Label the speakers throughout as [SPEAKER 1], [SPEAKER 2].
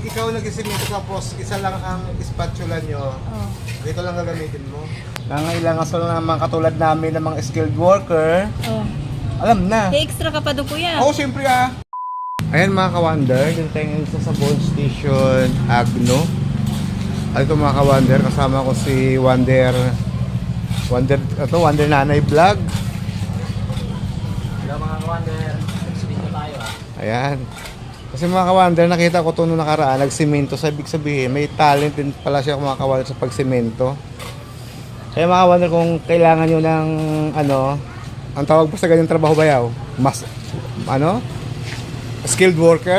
[SPEAKER 1] ikaw nag-isimento tapos isa lang ang spatula nyo,
[SPEAKER 2] Oh.
[SPEAKER 1] dito lang gagamitin mo. Nangailangan sa mga katulad namin ng mga skilled worker,
[SPEAKER 2] Oh.
[SPEAKER 1] alam na.
[SPEAKER 2] May extra ka pa doon, kuya.
[SPEAKER 1] Oo, siyempre ah. Ayan mga ka-wonder, yung tayo sa Sabon Station Agno. Ay ito mga ka-wonder, kasama ko si Wonder Nanay Vlog.
[SPEAKER 3] Hello mga ka-wonder, nagsimento tayo
[SPEAKER 1] Ayan. Kasi mga ka-wonder, nakita ko ito nung nakaraan, nagsimento. So, ibig sabihin, may talent din pala siya mga ka-wonder sa pagsimento. Kaya mga ka-wonder, kung kailangan nyo ng ang tawag po sa ganyang trabaho bayaw? Skilled worker?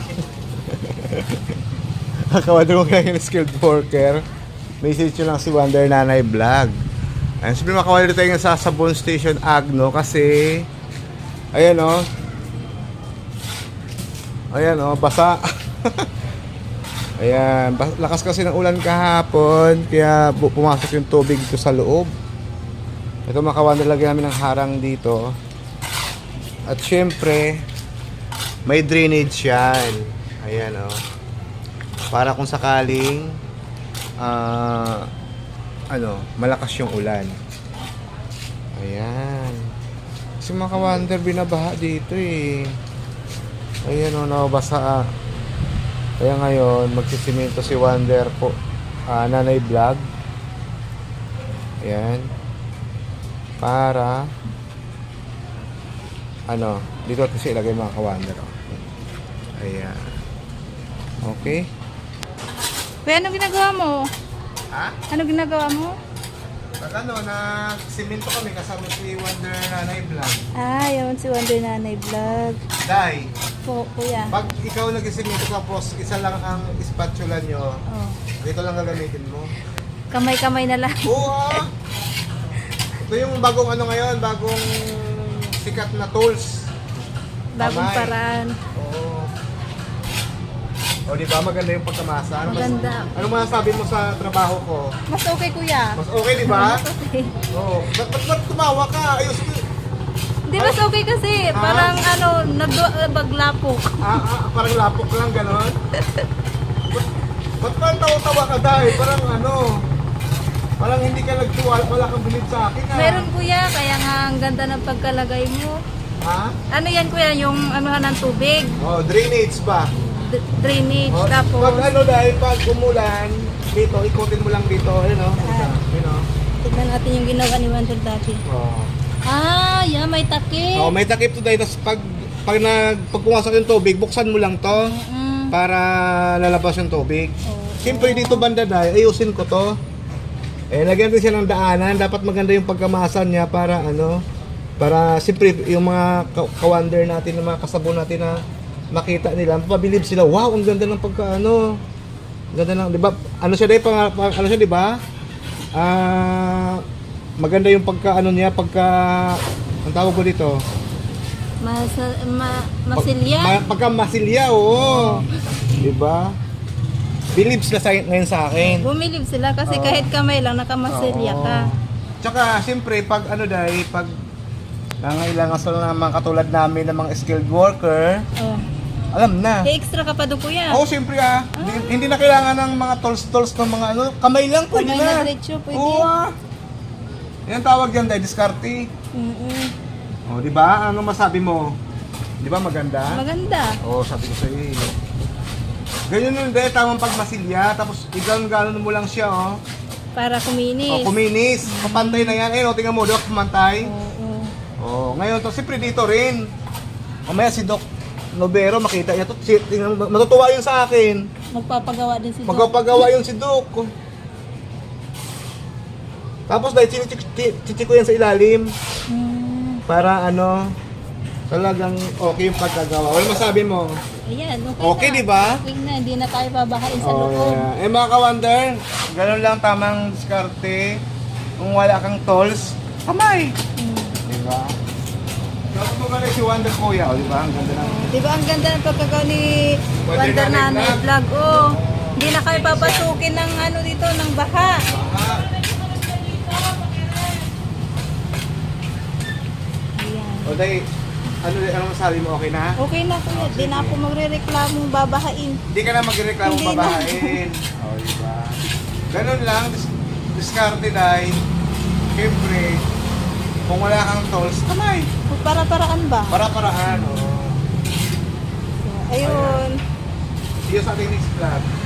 [SPEAKER 1] Mga ka-wonder, kung kailangan ng skilled worker, message nyo lang si Wonder Nanay Vlog. Ayan, sabi mga ka-wonder, tayo nga sa Sabon Station Agno kasi, ayan o, ayan o, basa. Ayan, lakas kasi ng ulan kahapon, kaya pumasok yung tubig dito sa loob. Ito mga ka-wonder, lagyan namin ng harang dito. At syempre, may drainage yan. Ayan o. Para kung sakaling, malakas yung ulan. Ayan. Kasi mga ka-wonder, binabaha dito eh. Ayan o, nabasa. Kaya ngayon, magsisimento si Wonder po, Nanay Vlog. Ayan. Para, dito kasi ilagay mga ka-wonder. Ayan. Okay.
[SPEAKER 2] Kuya, ano ginagawa mo?
[SPEAKER 1] Ha?
[SPEAKER 2] Ano ginagawa mo?
[SPEAKER 1] Nagsimento kami kasama si Wonder Nanay Vlog.
[SPEAKER 2] Ah, yun si Wonder Nanay Vlog.
[SPEAKER 1] Dai,
[SPEAKER 2] Po, kuya.
[SPEAKER 1] pag ikaw nagsisimento tapos isa lang ang spatula nyo,
[SPEAKER 2] Oh.
[SPEAKER 1] dito lang gagamitin mo.
[SPEAKER 2] Kamay-kamay na lang.
[SPEAKER 1] Oo ah. Ito yung bagong bagong sikat na tools.
[SPEAKER 2] Bagong
[SPEAKER 1] Kamay.
[SPEAKER 2] paraan.
[SPEAKER 1] Oo. O di ba maganda yung pagkamasa?
[SPEAKER 2] Maganda.
[SPEAKER 1] Ano masasabi mo sa trabaho ko?
[SPEAKER 2] Mas okay, kuya.
[SPEAKER 1] Mas okay di ba?
[SPEAKER 2] Mas okay.
[SPEAKER 1] Oo. Ba't tumawa ka? Ayos ko.
[SPEAKER 2] Hindi, mas okay kasi. Parang baglapok.
[SPEAKER 1] Parang lapok lang ganon. Ba't parang tawa-tawa ka dahil? Parang hindi ka nagtuwal, wala kang bilib sa akin ha?
[SPEAKER 2] Meron, kuya. Kaya nga ang ganda ng pagkalagay mo.
[SPEAKER 1] Ha?
[SPEAKER 2] Ano yan, kuya? Yung ng tubig.
[SPEAKER 1] Oh, drainage ba?
[SPEAKER 2] Drainage.
[SPEAKER 1] Oh,
[SPEAKER 2] Tapos,
[SPEAKER 1] dahil pag umulan, dito, ikutin mo lang dito. Ayun o. Ayun o.
[SPEAKER 2] tignan natin yung ginawa ni Wonder dati.
[SPEAKER 1] Oh.
[SPEAKER 2] Ah, yeah, may takip.
[SPEAKER 1] Oh, may takip to dahil. Tapos pag pumasok yung tubig, buksan mo lang to para lalabas yung tubig.
[SPEAKER 2] Oh.
[SPEAKER 1] Siyempre dito banda dahil, ayusin ko to. Lagyan din siya ng daanan. Dapat maganda yung pagkamasan niya para para siyempre yung mga ka-wonder natin, yung mga kasabon natin na makita nila, mapabilib sila, wow, ang ganda ng ganda ng, di ba? Ano siya di ba? Maganda yung ang tawag ko dito.
[SPEAKER 2] Masilya.
[SPEAKER 1] Pagka-masilya, oo. Di ba? Believe sila ngayon sa akin.
[SPEAKER 2] Bumilib sila kasi kahit kamay lang nakamasilya ka.
[SPEAKER 1] Tsaka, siyempre, pag nangailangan sa mga katulad namin ng mga skilled worker,
[SPEAKER 2] Oh.
[SPEAKER 1] alam na.
[SPEAKER 2] May extra ka pa doon, kuya.
[SPEAKER 1] Oo, siyempre Hindi na kailangan ng mga tools ng mga kamay lang, pwede
[SPEAKER 2] Kamay na
[SPEAKER 1] na.
[SPEAKER 2] diretso, pwede.
[SPEAKER 1] Oo Yan tawag yan dahil diskarte. Oh, di ba? Ano masabi mo? Di ba maganda?
[SPEAKER 2] Maganda.
[SPEAKER 1] Oo, sabi ko sa iyo. Ganyan yun dahil tamang pagmasilya, tapos gano'n mo lang siya, oh.
[SPEAKER 2] Para kuminis.
[SPEAKER 1] Oh, kuminis. Papantay na yan. Ayun, tingnan mo, Doc, pumantay.
[SPEAKER 2] Oo.
[SPEAKER 1] Oh, ngayon to, siyempre dito rin. Mamaya si Doc Novero, makita niya to. Tingnan, matutuwa yun sa akin.
[SPEAKER 2] Magpapagawa din si Doc.
[SPEAKER 1] Magpapagawa yun si Doc. Tapos dahil chichik ko yan sa ilalim. Para talagang okay yung pagkagawa. Ano masabi mo?
[SPEAKER 2] Ayan,
[SPEAKER 1] Okay,
[SPEAKER 2] na.
[SPEAKER 1] di ba?
[SPEAKER 2] Okay na, hindi na tayo babahain sa loob.
[SPEAKER 1] Yeah. Mga ka-wonder, ganun lang tamang diskarte. Kung wala kang tools, kamay. Di ba? Tapos mo si Wonder Kuya, di ba? Ang ganda ng...
[SPEAKER 2] Di ba ang ganda ng pagkagawa ni
[SPEAKER 1] Wonder
[SPEAKER 2] Wonder
[SPEAKER 1] Nanay
[SPEAKER 2] Nanay Vlog? Oh, hindi na kayo papasukin ng dito, ng baha. Ayan.
[SPEAKER 1] O dahil, Ano masabi mo, okay na?
[SPEAKER 2] Okay na kuya, di na ako magre-reklamong babahain.
[SPEAKER 1] Hindi ka na magreklamo
[SPEAKER 2] Hindi na.
[SPEAKER 1] babahain. O, diba? Ganun lang, diskarte dahil, siyempre, kung wala kang tolls, kamay.
[SPEAKER 2] Para-paraan ba?
[SPEAKER 1] Para-paraan, o.
[SPEAKER 2] Ayun.
[SPEAKER 1] See you sa ating next vlog.